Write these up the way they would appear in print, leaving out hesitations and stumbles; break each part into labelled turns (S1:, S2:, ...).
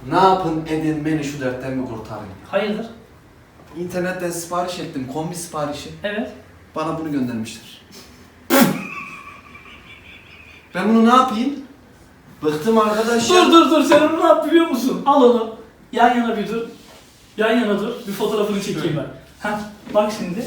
S1: Ne yapın edin beni şu dertten bir kurtarın.
S2: Hayırdır?
S1: İnternetten sipariş ettim, kombi siparişi.
S2: Evet.
S1: Bana bunu göndermişler. Ben bunu ne yapayım? Bıktım arkadaş ya.
S2: Dur sen onu ne yap biliyor musun? Al onu. Yan yana bir dur. Yan yana dur. Bir fotoğrafını çekeyim ben. Ha, bak şimdi.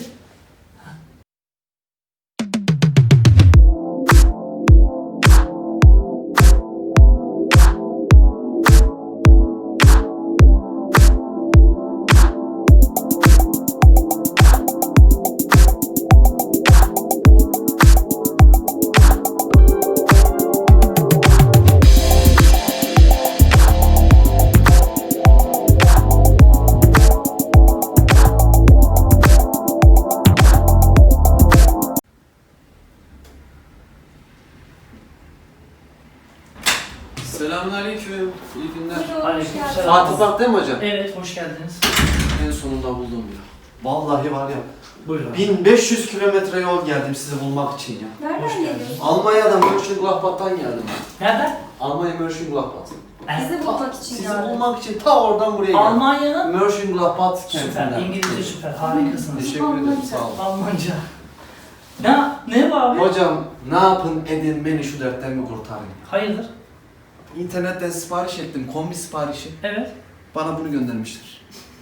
S1: Selamünaleyküm. İyi günler.
S2: Aleykümselam.
S1: Fatih Bak değil mi hocam?
S2: Evet, hoş geldiniz.
S1: En sonunda buldum ya. Vallahi var ya.
S2: Buyurun.
S1: 1500 kilometre yol geldim sizi bulmak için ya.
S3: Nereden geliyorsun?
S1: Almanya'dan Mönchengladbach'tan geldim.
S2: Nereden?
S1: Almanya Mönchengladbach.
S3: Bizi bulmak için
S1: Sizi
S3: geldim.
S1: bulmak için ta oradan buraya geldim.
S2: Almanya'nın
S1: Mönchengladbach
S2: süper,
S1: kentinden.
S2: İngilizce süper, harikasınız.
S1: Teşekkür ederim, sağ olun.
S2: Almanca. Ne bu abi?
S1: Hocam ne yapın edin beni şu dertten bir kurtarın.
S2: Hayırdır?
S1: İnternetten sipariş ettim, kombi siparişi.
S2: Evet.
S1: Bana bunu göndermişler.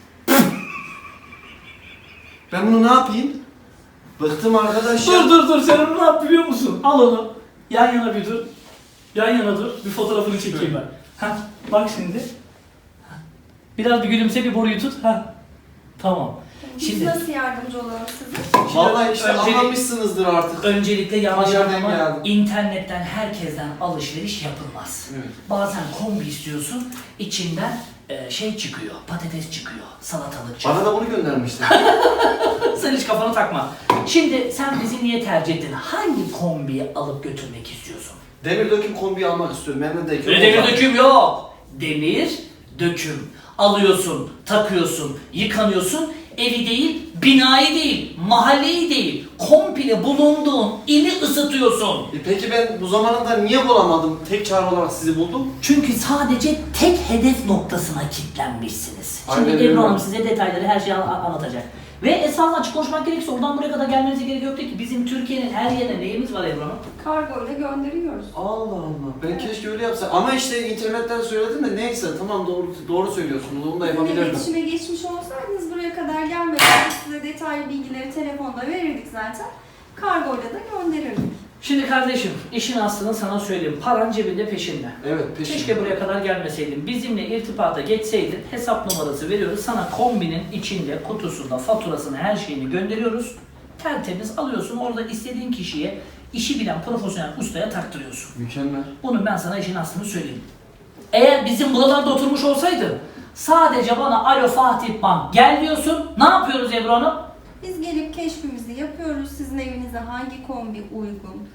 S1: Ben bunu ne yapayım? Bıktım arkadaş ya.
S2: Dur sen onu ne yap biliyor musun? Al onu. Yan yana bir dur. Yan yana dur. Bir fotoğrafını çekeyim ben. Ha, bak şimdi. Ha. Biraz bir gülümse, bir boruyu tut. Ha. Tamam.
S3: Biz
S2: Şimdi
S3: nasıl yardımcı olalım size?
S1: Vallahi işte
S2: öncelik-
S1: anlamışsınızdır artık.
S2: öncelikle yanlış
S1: Haberden
S2: anlama,
S1: geldim.
S2: internetten herkesten alışveriş yapılmaz.
S1: Evet.
S2: Bazen kombi istiyorsun, içinden şey çıkıyor, patates çıkıyor, salatalık çıkıyor.
S1: Bana da bunu göndermişler.
S2: Sen hiç kafanı takma. Şimdi sen bizi niye tercih ettin? Hangi kombiyi alıp götürmek istiyorsun?
S1: Demir döküm kombiyi almak istiyorum. Memnun'daki.
S2: Demir döküm yok. Demir döküm. Alıyorsun, takıyorsun, yıkanıyorsun. Evi değil, binayı değil, mahalleyi değil, komple bulunduğun ili ısıtıyorsun.
S1: Peki ben bu zamanında niye bulamadım? Tek çare olarak sizi buldum.
S2: Çünkü sadece tek hedef noktasına kilitlenmişsiniz. Şimdi
S1: Aynen
S2: Ebru
S1: öyle.
S2: Hanım size detayları, her şeyi anlatacak. Ve esasında açık konuşmak gerekirse oradan buraya kadar gelmenize gerek yoktu ki. Bizim Türkiye'nin her yerine neyimiz var Ebru Hanım?
S3: Kargo ile gönderiyoruz.
S1: Allah Allah. Ben keşke öyle yapsam. Ama işte internetten söyledim de neyse tamam doğru söylüyorsunuz. Onu da
S3: Bizimle
S1: yapabilirdim.
S3: iletişime geçmiş olsaydınız buraya kadar gelmeden size detaylı bilgileri telefonda verirdik zaten. Kargo ile de gönderirdik.
S2: Şimdi kardeşim, işin aslını sana söyleyeyim. Paran cebinde peşinde.
S1: Evet peşin.
S2: Keşke buraya kadar gelmeseydin. Bizimle irtibata geçseydin, hesap numarası veriyoruz. Sana kombinin içinde, kutusunda, faturasını, her şeyini gönderiyoruz. Tertemiz alıyorsun. Orada istediğin kişiye, işi bilen profesyonel ustaya taktırıyorsun.
S1: Mükemmel.
S2: Bunu ben sana işin aslını söyleyeyim. Eğer bizim buralarda oturmuş olsaydın, sadece bana alo Fatih Bank gel diyorsun. Ne yapıyoruz Ebru Hanım?
S3: Biz gelip keşfimizi yapıyoruz. Sizin evinize hangi kombi uygun?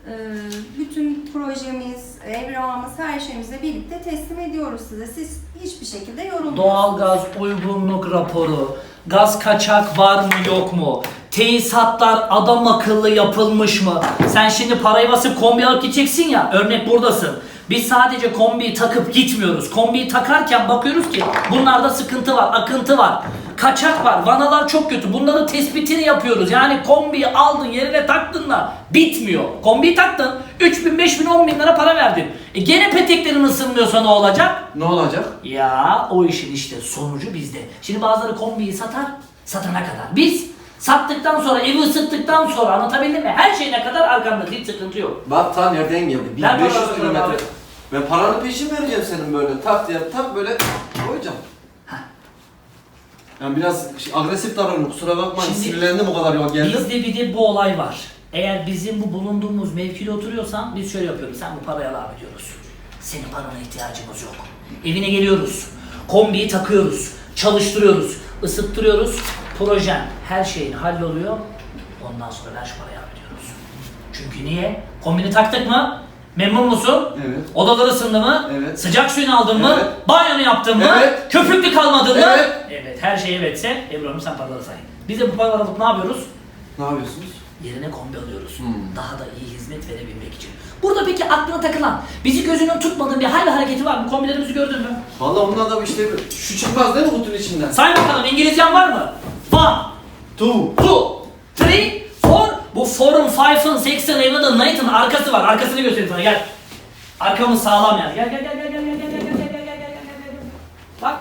S3: Bütün projemiz, evrağımız, her şeyimizi birlikte teslim ediyoruz size. Siz hiçbir şekilde yorulmuyorsunuz.
S2: Doğalgaz uygunluk raporu, gaz kaçak var mı yok mu? Tesisatlar adam akıllı yapılmış mı? Sen şimdi parayı basıp kombi alıp gideceksin ya, örnek buradasın. Biz sadece kombiyi takıp gitmiyoruz. Kombiyi takarken bakıyoruz ki bunlarda sıkıntı var, akıntı var. Kaçak var, vanalar çok kötü. Bunların tespitini yapıyoruz. Yani kombiyi aldın, yerine taktın da bitmiyor. Kombiyi taktın, 3.000, 5.000, 10.000 lira para verdin. Gene peteklerin ısınmıyorsa ne olacak?
S1: Ne olacak?
S2: Ya o işin işte sonucu bizde. Şimdi bazıları kombiyi satar, satana kadar. Biz sattıktan sonra, evi ısıttıktan sonra, anlatabildim mi? Her şeyine kadar arkamda, hiç sıkıntı yok.
S1: Bak ta nereden geldi?
S2: Ver
S1: 1500
S2: bakalım
S1: kilometre.
S2: abi.
S1: Ben paranı peşin vereceğim senin böyle. Tak diye tak böyle koyacağım. Yani biraz agresif davranıyorum. Kusura bakmayın.
S2: Şimdi
S1: Sinirlendim o kadar yol geldim.
S2: Bizde bir de bu olay var. Eğer bizim bu bulunduğumuz mevkide oturuyorsan biz şöyle yapıyoruz. Sen bu parayı al abi diyoruz. Senin parana ihtiyacımız yok. Evine geliyoruz. Kombiyi takıyoruz. Çalıştırıyoruz. Isıttırıyoruz. Projen, her şeyin halloluyor. Ondan sonra ver şu parayı abi diyoruz. Çünkü niye? Kombini taktık mı? Memnun musun?
S1: Evet.
S2: Odalar ısındı mı?
S1: Evet.
S2: Sıcak suyunu aldın mı?
S1: Evet.
S2: Banyonu yaptın mı?
S1: Evet.
S2: Köpüklü kalmadın mı?
S1: Evet.
S2: Evet. Her şey evetse Ebru Hanım sen paraları say. Biz de bu paraları alıp ne yapıyoruz?
S1: Ne yapıyorsunuz?
S2: Yerine kombi alıyoruz. Daha da iyi hizmet verebilmek için. Burada peki aklına takılan, bizi gözünün tutmadığı bir hal ve hareketi var mı? Kombilerimizi gördün mü?
S1: Valla onun da işte şu çıkmaz değil mi kutunun içinden?
S2: Say bakalım, İngilizcen var mı? 1,
S1: Tu.
S2: 2, 3, 4. Bu 4'ın, 5'ın, 6'ın, 7'ın, 9'ın arkası var. Arkasını göstereyim sana, gel. Arkamız sağlam yani. Gel. Bak.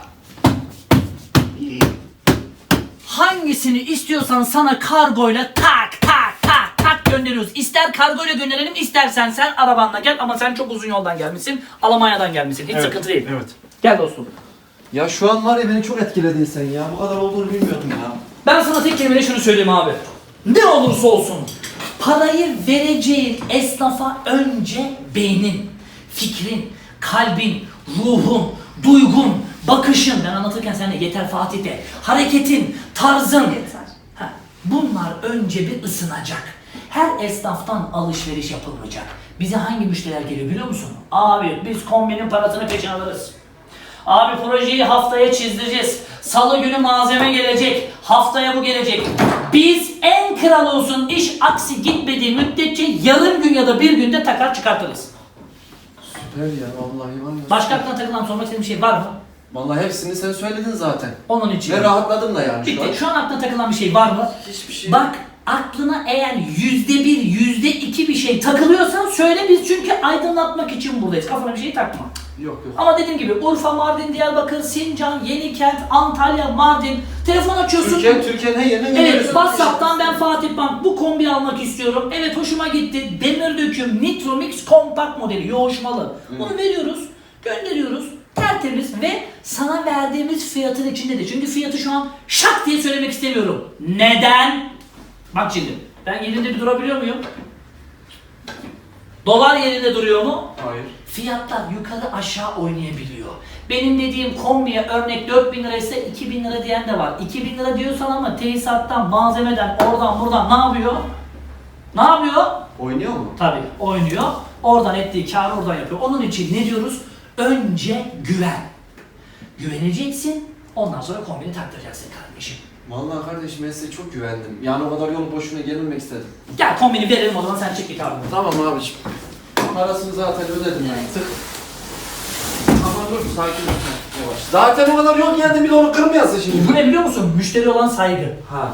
S2: Hangisini istiyorsan sana kargoyla tak gönderiyoruz. İster kargoyla gönderelim, istersen sen arabanla gel, ama sen çok uzun yoldan gelmişsin. Almanya'dan gelmişsin. Hiç sıkıntı değil.
S1: Evet.
S2: Gel dostum.
S1: Ya şu an var ya beni çok etkiledin sen ya. Bu kadar olduğunu bilmiyordum ya.
S2: Ben sana tek kelimeyle şunu söyleyeyim abi. Ne olursa olsun parayı vereceğin esnafa önce beynin, fikrin, kalbin, ruhun, duygun, bakışın, ben anlatırken sen de yeter Fatih de, hareketin, tarzın.
S3: Yeter.
S2: Bunlar önce bir ısınacak. Her esnaftan alışveriş yapılmayacak. Bize hangi müşteriler geliyor biliyor musun? Abi biz kombinin parasını peşin alırız. Abi projeyi haftaya çizdireceğiz. Salı günü malzeme gelecek. Haftaya bu gelecek. Biz en kral olsun, iş aksi gitmediği müddetçe yarım gün ya da bir günde takar çıkartırız.
S1: Süper ya vallahi var ya.
S2: Başka aklına takılan, sormak istediğin bir şey var mı?
S1: Vallahi hepsini sen söyledin zaten.
S2: Onun için.
S1: Ve rahatladım da yani şu an.
S2: Bitti. Şu an aklına takılan bir şey var mı?
S1: Hiçbir şey.
S2: Bak, aklına eğer %1, %2 bir şey takılıyorsan söyle, biz çünkü aydınlatmak için buradayız. Kafana bir şey takma.
S1: Yok.
S2: Ama dediğim gibi Urfa, Mardin, Diyarbakır, Sincan, Yenikent, Antalya, Mardin, telefon açıyorsun.
S1: Türkiye'nin her yerine
S2: Evet,
S1: gönderiyorsun.
S2: WhatsApp'tan ben Fatih Bank bu kombi almak istiyorum. Evet, hoşuma gitti. Demir döküm Nitro Mix kompakt modeli, yoğuşmalı. Bunu veriyoruz, gönderiyoruz. Tertemiz ve sana verdiğimiz fiyatın içinde de. Çünkü fiyatı şu an şak diye söylemek istemiyorum. Neden? Bak şimdi, ben yerinde bir durabiliyor muyum? Dolar yerinde duruyor mu?
S1: Hayır.
S2: Fiyatlar yukarı aşağı oynayabiliyor. Benim dediğim kombiye örnek 4.000 lira ise 2.000 lira diyen de var. 2.000 lira diyorsan ama tesisattan, malzemeden, oradan buradan ne yapıyor? Ne yapıyor?
S1: Oynuyor mu?
S2: Tabii oynuyor. Oradan ettiği kârı oradan yapıyor. Onun için ne diyoruz? Önce güven. Güveneceksin, ondan sonra kombini taktıracaksın kardeşim.
S1: Vallahi kardeşim ben size çok güvendim. Yani o kadar yolu boşuna gelmemek istedim.
S2: Gel kombini verelim, o zaman sen çek bir kârını.
S1: Tamam abiciğim. Parasını zaten ödedim ben.
S3: Evet.
S1: Tık. Ama dur sakin ol. Yavaş. Zaten o kadar yol geldim bir de onu kırmayasın şimdi.
S2: Bu ne biliyor musun? Müşteri olan saygı.
S1: Ha.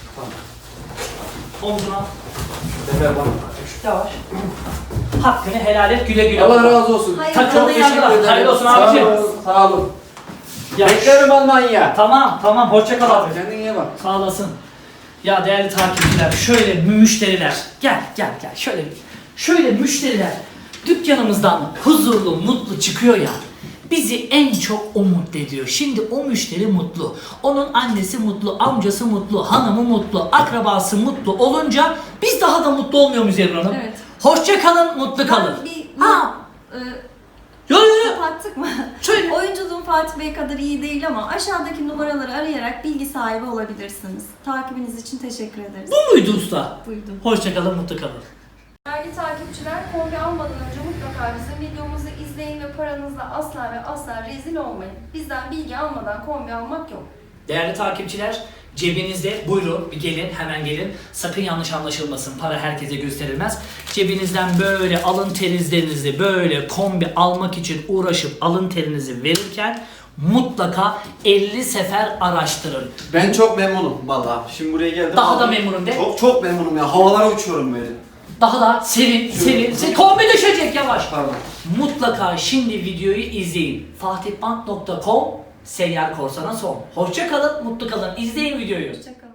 S2: Omzuna.
S1: Sefer bak.
S2: Yavaş. Hakkını helal et, güle güle.
S1: Allah razı olsun.
S3: Hayır.
S2: Takıldığın
S1: Çok teşekkür
S2: yerde.
S1: ederim.
S2: Hayırlı olsun
S1: Sağ
S2: abiciğim.
S1: olun. Sağ olun.
S2: Ya,
S1: Beklerim Almanya.
S2: tamam, hoşça kal abi.
S1: Kendine iyi bak.
S2: Sağ olasın. Ya değerli takipçiler, şöyle müşteriler, gel, şöyle müşteriler dükkanımızdan huzurlu, mutlu çıkıyor ya, bizi en çok o mutlu ediyor. Şimdi o müşteri mutlu, onun annesi mutlu, amcası mutlu, hanımı mutlu, akrabası mutlu olunca biz daha da mutlu olmuyor muyuz Ebru Hanım?
S3: Evet.
S2: Hoşça kalın, mutlu kalın. Ha. Yo.
S3: Kapattık mı?
S2: Söyle.
S3: Oyunculuğum Fatih Bey kadar iyi değil ama aşağıdaki numaraları arayarak bilgi sahibi olabilirsiniz. Takibiniz için teşekkür ederiz.
S2: Bu muydu usta?
S3: Buyurun.
S2: Hoşça kalın, mutlu kalın.
S3: Değerli takipçiler, kombi almadan önce mutlaka bizim videomuzu izleyin ve paranızla asla ve asla rezil olmayın. Bizden bilgi almadan kombi almak yok.
S2: Değerli takipçiler, cebinizde buyurun bir gelin, hemen gelin. Sakın yanlış anlaşılmasın, para herkese gösterilmez. Cebinizden böyle alın terinizle böyle kombi almak için uğraşıp alın terinizi verirken mutlaka 50 sefer araştırın.
S1: Ben çok memnunum vallahi. Şimdi buraya geldim.
S2: Daha da memnunum de.
S1: Çok memnunum ya. Havalara uçuyorum böyle.
S2: Daha da sevin. Kombi düşecek yavaş.
S1: Pardon.
S2: Mutlaka şimdi videoyu izleyin. fatihbank.com Seyyar Korsan'a son. Hoşça kalın, mutlu kalın. İzleyin videoyu.
S3: Hoşçakalın.